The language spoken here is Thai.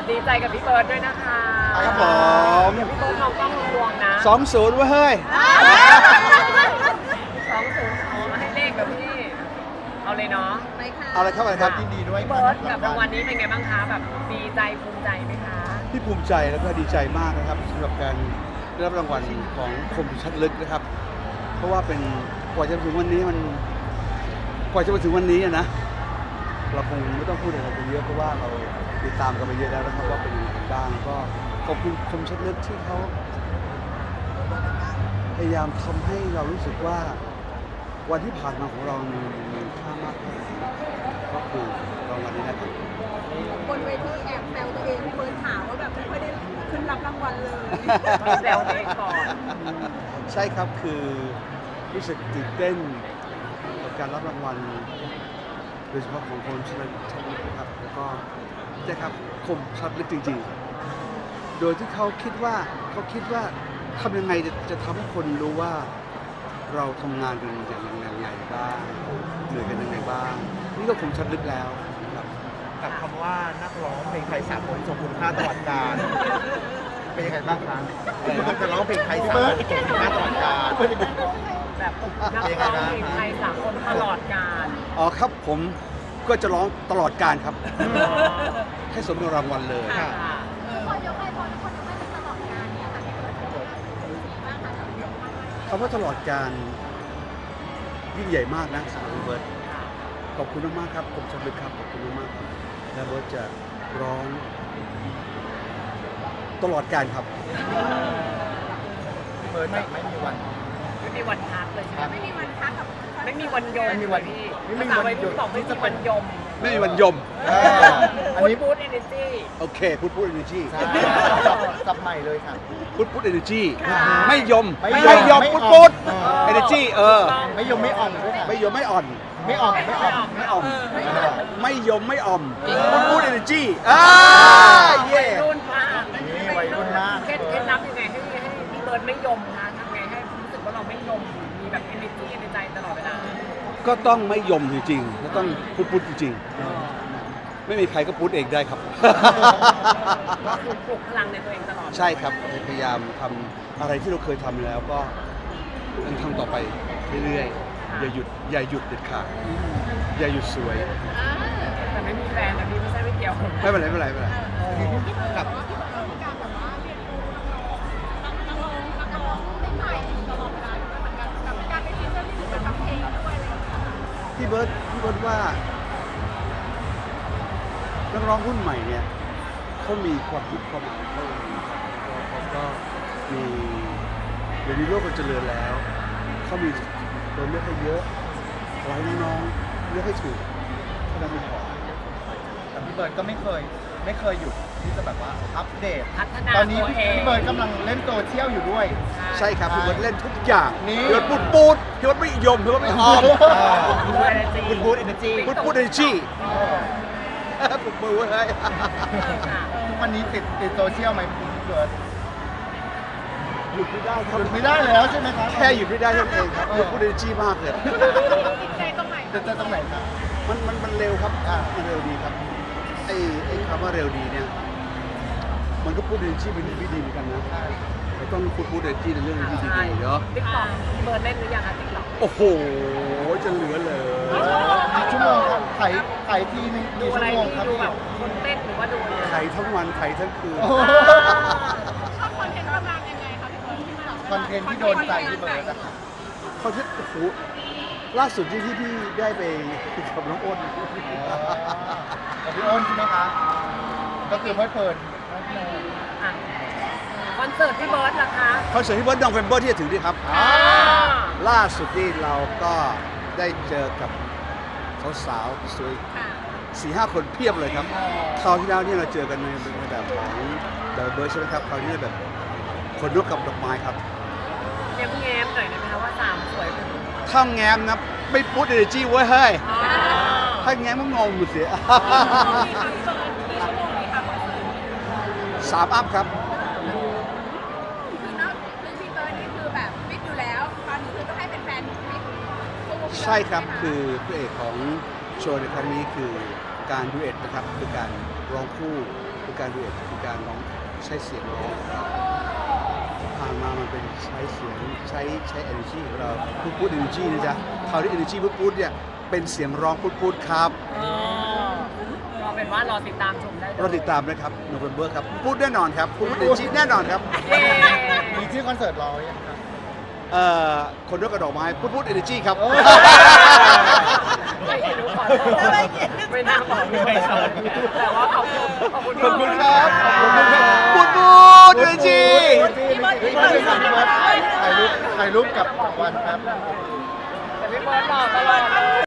ดีใจกับพี่เบิร์ดด้วยนะคะครับผมเดี๋ยวพี่เบิร์ดมองกล้องรวมนะ 2-0เว้ยเฮ้ย 20เอามาให้เลขกับพี่ เอาเลยเนาะไปค่ะเอาละครับอะไรครับยินดีด้วยพี่เบิร์ดกับรางวัลนี้เป็นไงบ้างคะแบบดีใจภูมิใจไหมคะที่ภูมิใจแล้วก็ดีใจมากนะครับสำหรับการได้รับรางวัลของคมชัดลึกนะครับ เพราะว่าเป็นกว่าจะถึงวันนี้กว่าจะมาถึงวันนี้นะเราคงไม่ต้องพูดอะไรกันเยอะเพราะว่าเราติดตามกันมาเยอะแล้วนะครับว่าเป็นยังไงกันบ้างก็ขอบคุณคมชัดลึกที่เขาพยายามทำให้เรารู้สึกว่าวันที่ผ่านมาของเรามีค่ามากแค่ไหนก็คือรางวัลนี้นะครับบนเวทีแอบแซวตัวเองเบิร์ดถามว่าแบบไม่ค่อยได้ขึ้นรับรางวัลเลยแซวตัวเองก่อนใช่ครับคือรู้สึกตื่นเต้นกับการรับรางวัลโดยเฉพาะของคนชัดลึกนะครับแล้วก็ใช่ครับคมชัดลึกจริงๆ โดยที่เขาคิดว่าทำยังไงจะทำให้คนรู้ว่าเราทำงานกันอย่างไรบ้างเหนื่อยกันยังไงบ้างนี่ก็คมชัดลึกแล้วนะครับกับคำว่านักร้องเพลงไทยสากลทรงคุณค่าตลอดกาลเป็นยังไงบ้างครับจะร้องเพลงไทยสากลทรงคุณค่าตลอดกาลแบบนักร้องเพลงไทยสากลตลอดกาลอ๋อครับผมก็จะร้องตลอดการครับ ให้สมกับรางวัลเลยค่ะคนยกให้พอทุกคนยกให้เป็นตลอดงานเนี่ยค่ะพี่เบิร์ดบ้างค่ะคำว่าตลอดการยิ่งใหญ่มากนะสำหรับเบิร์ตขอบคุณมากๆครับผมชัดลึกครับขอบคุณมากๆครับและเบิร์ตจะร้องตลอดการครับพี่เบิร์ดจะไม่มีวันไม่มีวันพักเลยใช่ไหมไม่มีวันพักกับไม่มีวันยมไม่มีวันพี่ไม่มีภาษาวันวัยรุ่นบอกไม่มีวันยมไม่มีวันยมอันนี้พูด energy โอเคพูดเอเนจีสับใหม่เลยค่ะพูดเอเนจีค่ะไม่ยมไม่ไม่ยยมมพูดไม่เออ่อนเนจีไม่ยอมไม่อ่อมด้วยค่ะไม่ยมไม่อ่อนไม่อ่อมไม่อ่อมไม่อ่อมไม่ไม่ยมไม่อ่อมพูดเอเนจีเย่วัยรุ่นมากนี่วัยรุ่นมากเคล็ดลับยังไงให้พี่เบิร์ดไม่ยมคะทำไงให้รู้สึกว่าเราไม่ยมมีแบบ energy ในใจตลอดเวลาก็ต้องไม่ยมจริงๆแล้วต้องพูดจริงๆไม่มีใครก็พูดเองได้ครับก็คือปลุกพลังในตัวเองตลอดใช่ครับพยายามทำอะไรที่เราเคยทำแล้วก็ยังทำต่อไปเรื่อยๆอย่าหยุดเด็ดขาดอย่าหยุดสวยแต่ไม่มีแฟนนะพี่ไม่ใช่ไม่เกี่ยวไม่เป็นไรไม่เป็นไรไม่เป็นไรกับพี่เบิร์ดว่านักร้องรุ่นใหม่เนี่ยเขามีความคิดความอ่านเขาเองครับเขาก็มีเดี๋ยวนี้โลกมันเจริญแล้วเขามีตัวเลือกให้เยอะขอให้น้องๆเลือกให้ถูกเท่านั้นไม่พอแต่พี่เบิร์ดก็ไม่เคยหยุดที่จะแบบว่าอัปเดตพัฒนาตอนนี้ตัวเองพี่เบิร์ดกำลังเล่นโซเชียลอยู่ด้วยใช่ครับพี่เบิร์ดเล่นทุกอย่างนี่พี่เบิร์ดพูดพี่เบิร์ดไม่ยมพี่เบิร์ดไม่ออมคุณบูธเอเนจีพูดเอเนจีปลุกมือไว้ให้ทุกวันนี้ติดโซเชียลไหมพี่เบิร์ดหยุดไม่ได้คหรับยุดไม่ได้แล้วใช่ไหมครับแค่หยุดไม่ได้เท่านั้นเองครับพูดเอเนจีมากเลยจะตรงไหนครับมันเร็วครับอ่ามันเร็วดีครับไอ้คำว่าเร็วดีเนี่ยมันก็พูดเอเนจีเป็นวิธีเหมือนกันนะเราต้องพูดเอเนจีในเรื่องที่ดีๆเนาะติ๊กต็อกพี่เบิร์ดเล่นหรือยังคะติ๊กต็อกโอ้โหจะเหลือเลยกี่ชั่วโมงครับไถทีนึงดูกี่อะไรชั่วโมงที่ครับดูพี่แบบคนเต้นหรือว่าดูอะไรไถทั้งวันไถทั้งคืนโอ้โหชอบคอนเทนต์ประมาณยังไงคะพี่เบิร์ดที่มาคอนเทนต์ที่โดนใจพี่เบิร์ดนะครับเขาที่โอ้โหล่าสุดที่พี่ได้ไปกับน้องอ้นกับพี่อ้นใช่ไหมคะก็คือเพลิดเพลินอ่ะคอนเสิร์ตพี่เบิร์ดล่ะคะคอนเสิร์ตที่เบิร์ดดองเฟมเบอร์ที่จะถึงนี่ครับ ล่าสุดนี่เราก็ได้เจอกับสาวๆสวยค่ะ 4-5 คนเพียบเลยครับคราวที่แล้วเนี่ยเราเจอกันในแบบของเดอะเบิร์ดใช่ไหมครับคราวนี้แบบคนนกกับดอกไม้ครับแง้มๆหน่อยได้ไหมคะว่าสามสวยเป็นถ้าแง้มนะไม่พูดเอเนจีไว้เฮ้ยถ้าแง้มก็งงหมดเสีย 3 อัพครับคือเนาะคือพี่เบิร์ดนี่คือแบบฟิตอยู่แล้วตอนนี้คือต้องให้เป็นแฟนฟิตใช่ครับคือพระเอกของโชว์ในครั้งนี้คือการดูเอทนะครับคือการร้องคู่คือการดูเอทคือการร้องใช้เสียงร้องผ่านมามันเป็นใช้เสียงใช้ energy ของเราพูด energy นะจ๊ะคราวนี้ energy พูดเนี่ยเป็นเสียงร้องพูดครับก็เป็นว่ารอติดตามชมได้เลยเราติดตามนะครับ November ครับพูดแน่นอนครับพูด energy แน่นอนครับเย้มีชื่อคอนเสิร์ตรอยังครับคนด้วยกระดอกไม้พูด energy ครับไม่เห็นรู้ก่อนไม่น่าบอกแต่ว่าขอบคุณขอบคุณครับพูด energy ถ่ายรูปกับวันครับแต่พี่เบิร์ดหล่อตลอดเลย